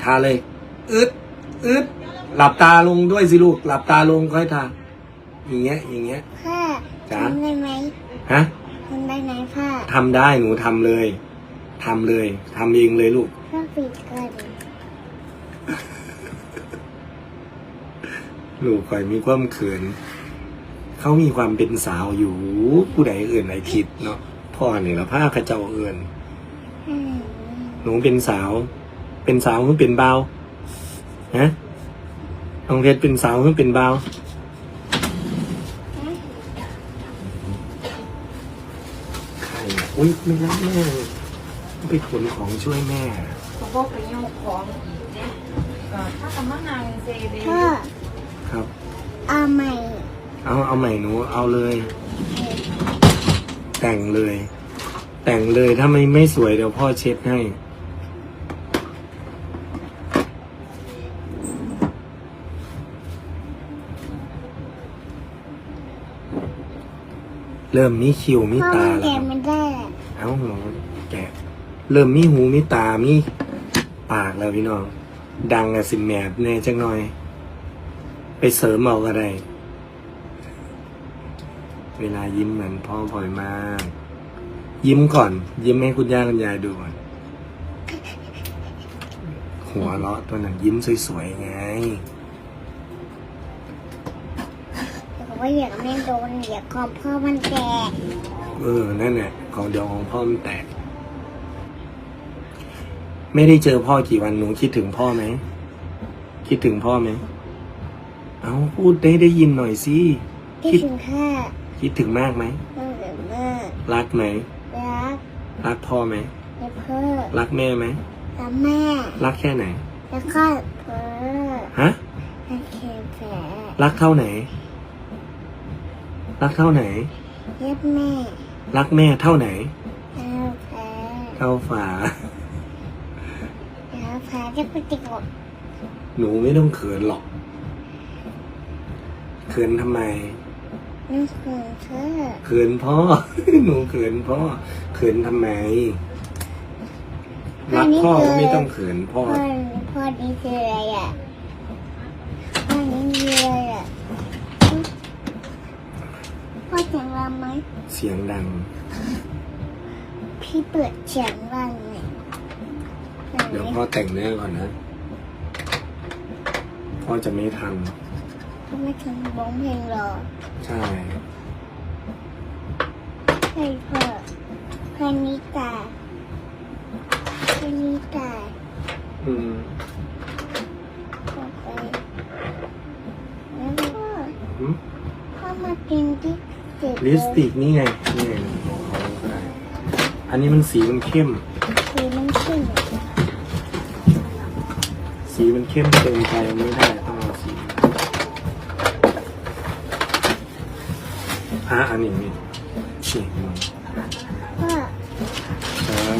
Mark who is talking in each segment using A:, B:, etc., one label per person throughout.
A: าเลยอึดอึดหลับตาลงด้วยสิลูกหลับตาลงค่อยทาอย่างเงี้ย
B: พ่อ
A: จ๋า
B: ทำได้ไหม
A: ฮะ
B: ทำได้ไหมพ่อ
A: ทำได้หนูทำเลยทำเองเลยลูก
B: พ่อปิดก่อน
A: ลูกคอยมีความเขินเขามีความเป็นสาวอยู่ผู้ใดเอื่นไหนคิดเนาะพ่อเนี่ยละผ้าขเจ้าเอื่นหนูเป็นสาวหรือเป็นเบาฮะน้องเพชรเป็นสาวหรือเป็นเบาใครอ่ะอุ้ยไม่รับแม่ไปขนของช่วยแม่
C: เขาบอกไปโยกของอีกเนี่ยถ้ากำมะนางเซเบ
B: พ่อ
A: ครับ
B: เอาใหม่
A: เอาใหม่หนูเอาเลย แต่งเลยถ้าไม่สวยเดี๋ยวพ่อเช็ดให้เริ่มมีคิ้วมี
B: พ่อ
A: ตา
B: มัน
A: แล้
B: แกะ
A: ว
B: ไม่ได้อะ
A: เอ้าหนูแกะเริ่มมีหูมีตามีปากแล้วพี่น้องดังอะสิแมบแน่จังหน่อย ไปเสริมเอาก็ได้เวลายิ้มเหมือนพ่อบ่อยมากยิ้มก่อน ยิ้มให้คุณย่าคุณยายดูก่อนหัวเราะตัวนั้นยิ้มสวยๆไง
B: แต่ว่าอยากไม่โดนอยากของพ่อมันแกะ
A: นั่นแหละของเดี๋ยวของพ่อมันแตกไม่ได้เจอพ่อกี่วันหนูคิดถึงพ่อไหมคิดถึงพ่อไหมเอาพูดได้ยินหน่อยสิ
B: คิดถึงข้า
A: คิดถึงมากไหม
B: พ่อเกิดมาก
A: รักไหม
B: รัก
A: รักพ่อไหม
B: และพ่อ
A: รักแม่ไหม
B: และแม่
A: รักแค่ไหน
B: แล้วก็พ่อ
A: ฮะ
B: และแค่แผล
A: รักเท่าไหน รักเท่าไหน
B: เย็บแม่
A: รักแม่เท่าไหน
B: แล้วแผล
A: เท่าฝา
B: แล้วแผลจะไปติดกับ
A: หนูไม่ต้องเขินหรอกเขินทำไม
B: นั่นคือเธอ
A: เขินพ่อ หนูเขินพ่อเขินทำไม รักพ่อก็ไม่ต้องเขินพ่อ
B: พ่อนี่คืออะไรอ่ะพ่อนี่คืออะไรอ่ะพ่อเสียงดังไหม
A: เสียงดัง
B: พี่เปิดเสียงดังไหม
A: เดี๋ยวพ่อแต่งหน้าก่อนนะ พ่อจะไม่ทัน
B: พ่อไม่ทำร้องเพลงหรอ
A: ใช่
B: ใช่พ่อพ่อนิตาพ่อนิตา
A: อืม
B: พ่อไปแล้วพ่อ
A: หืม
B: พ่อมากินที่เจ็บ
A: ลิปสติกนี่ไงนี่ไงของเขาก็ได้อันนี้มันสีมันเข้ม
B: คือมันขึ้น
A: สีมันเข้มเกินไปไม่ได้ต้องเอาสีอันนี้นี่ฉีกมัน
B: พ่อ
A: ครับ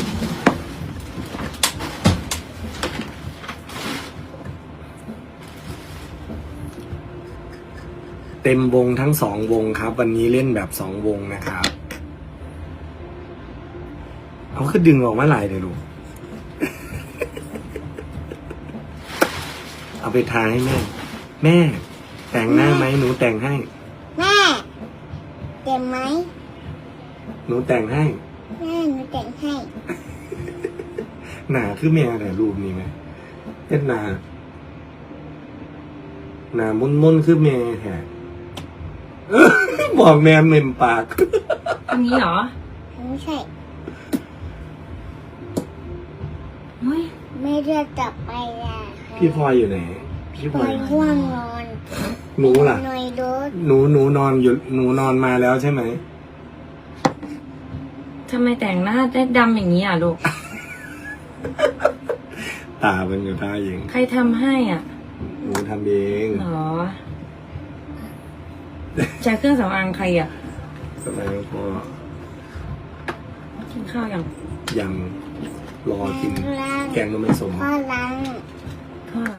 A: เต็มวงทั้ง2 วงครับ วันนี้เล่นแบบ2 วงนะครับเอาคือดึงออกมาหลายเดี๋ยวลูก เอาไปทาให้แม่ แม่ แต่งหน้าไหมหนูแต่งให้
B: แม่เจ็บไหม
A: หนูแต่งให้
B: แม่หนูแต่งให้
A: หนาคือแม่แต่รูปนี้ไหมเป็นหนามุ่นคือแม่แฮะ บอกแม่เมมปาก
C: อันนี้เหรอ
B: ไม่ใช่
C: เฮ้ย
B: ไม่เลือกกลับไปอ่ะ
A: พี่พลอยอยู่ไหน พี่พ
B: ป
A: ล
B: ล่
A: อ
B: อย ยห่วงนอน
A: หนูล่ะ
B: หน่อยรถ
A: หนูนอนอยู่หนูนอนมาแล้วใช่ไหม
C: ทำไมแต่งหน้าได้ดำอย่างนี้อ่ะลูก
A: ตาเป็นอยู่ท่าเอง
C: ใครทำให้อ่ะ
A: หนูทำเอง
C: เหรอใช้เครื่องสำอางใครอ่ะ
A: สมัยพอ
C: กินข้าวยัง
A: ยังรอกิน
B: ล้าง
A: แกงนมไม่สม
B: พ่อล้าง
C: พ่อ